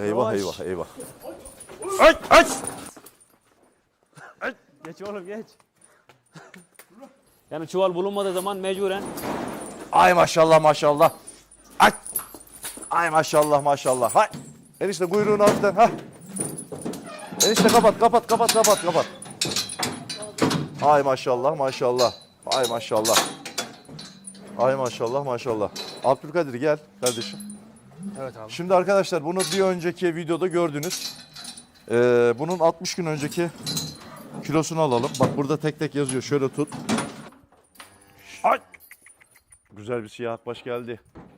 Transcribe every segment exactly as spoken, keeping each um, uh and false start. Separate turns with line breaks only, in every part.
Eyvah
Yavaş.
eyvah eyvah. Aç aç.
Geç oğlum geç. Yani çuval bulunmadığı zaman mecburen
Ay maşallah maşallah. Ay. Ay maşallah maşallah. Hay. Enişte kuyruğunu hafiften. Ha. Enişte kapat kapat kapat kapat kapat. Ay maşallah maşallah. Ay maşallah. Ay maşallah maşallah. Abdülkadir gel kardeşim.
evet abi.
Şimdi arkadaşlar bunu bir önceki videoda gördünüz. Ee, bunun altmış gün önceki kilosunu alalım. Bak burada tek tek yazıyor. Şöyle tut. Ay. Güzel bir siyah akbaş geldi.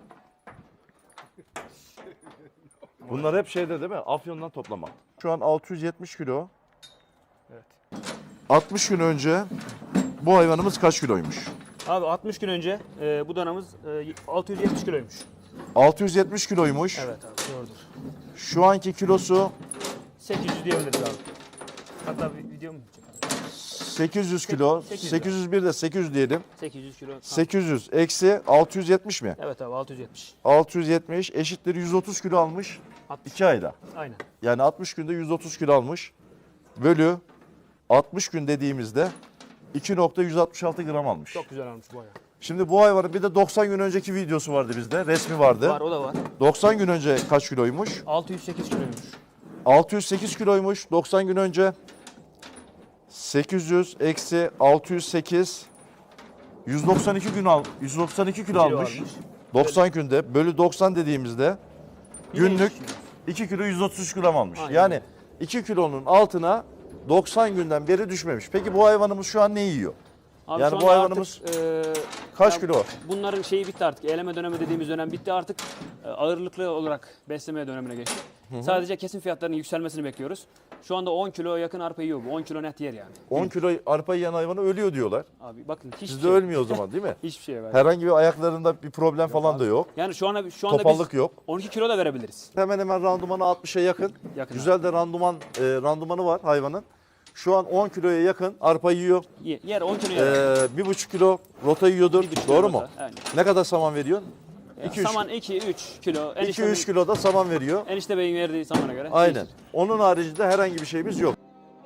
Bunlar hep şeyde değil mi? Afyon'dan toplama. Şu an altı yüz yetmiş kilo.
Evet.
altmış gün önce bu hayvanımız kaç kiloymuş?
Abi altmış gün önce e, bu danamız e, altı yüz yetmiş kiloymuş.
altı yüz yetmiş kiloymuş.
Evet abi doğrudur.
Şu anki kilosu
sekiz yüz diyebiliriz abi. Hatta bir video mu çekelim?
sekiz yüz kilo.
sekiz yüz.
sekiz yüz bir de sekiz yüz diyelim.
sekiz yüz kilo. Tamam.
sekiz yüz eksi altı yüz yetmiş mi?
Evet abi altı yüz yetmiş.
altı yüz yetmiş eşittir yüz otuz kilo almış
altmış.
iki ayda.
Aynen.
Yani altmış günde yüz otuz kilo almış. Bölü altmış gün dediğimizde iki nokta yüz altmış altı gram almış.
Çok güzel almış bu ayağı.
Şimdi bu hayvanın bir de doksan gün önceki videosu vardı bizde. Resmi vardı.
Var o da var.
doksan gün önce kaç kiloymuş?
altı yüz sekiz kiloymuş.
altı yüz sekiz kiloymuş doksan gün önce. sekiz yüz eksi altı yüz sekiz yüz doksan iki gün al yüz doksan iki kilo
Kilo
almış.
almış.
doksan günde bölü doksan dediğimizde
Yine
günlük
iki kilo.
iki kilo yüz otuz üç gram almış.
Aynen.
Yani iki kilonun altına doksan günden beri düşmemiş. Peki bu hayvanımız şu an ne yiyor?
Abi
Yani
şu
bu
anda
hayvanımız
artık, e,
kaç
ya
kilo?
Bunların şeyi bitti artık. Eleme dönemi dediğimiz dönem bitti artık. e, Ağırlıklı olarak beslemeye dönemine geçtik. Sadece kesim fiyatlarının yükselmesini bekliyoruz. Şu anda on kilo yakın arpa yiyor bu. on kilo net yer yani.
on kilo arpa yiyen hayvanı ölüyor diyorlar.
Abi bakın hiçbir
Sizde
şey.
ölmüyor o zaman değil mi?
Hiçbir şey var.
Herhangi bir ayaklarında bir problem falan da yok.
Yani şu anda şu anda
Topallık
biz
yok.
on iki kilo da verebiliriz.
Hemen hemen randımanı altmışa yakın.
Yakın
Güzel de randıman e, randımanı var hayvanın. Şu an on kiloya yakın arpa yiyor.
Ye- Yer on kilo yer.
Ee, bir buçuk kilo rota yiyordur.
Bir buçuk
Doğru
kilo
mu?
da, aynen.
Ne kadar saman veriyorsun?
Ya,
iki, üç.
saman iki üç kilo.
iki
Enişte,
üç kilo da saman veriyor.
enişte beyin verdiği samana göre.
Aynen.
değişir.
Onun haricinde herhangi bir şeyimiz yok.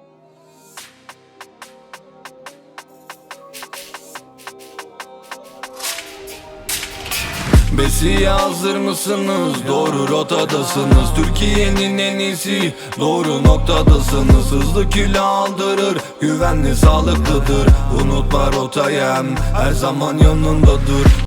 Besiye hazır mısınız? Doğru rotadasınız. Türkiye'nin en iyisi, doğru noktadasınız. Hızlı kilo aldırır, güvenli sağlıklıdır. Unutma rotayı, her zaman yanındadır.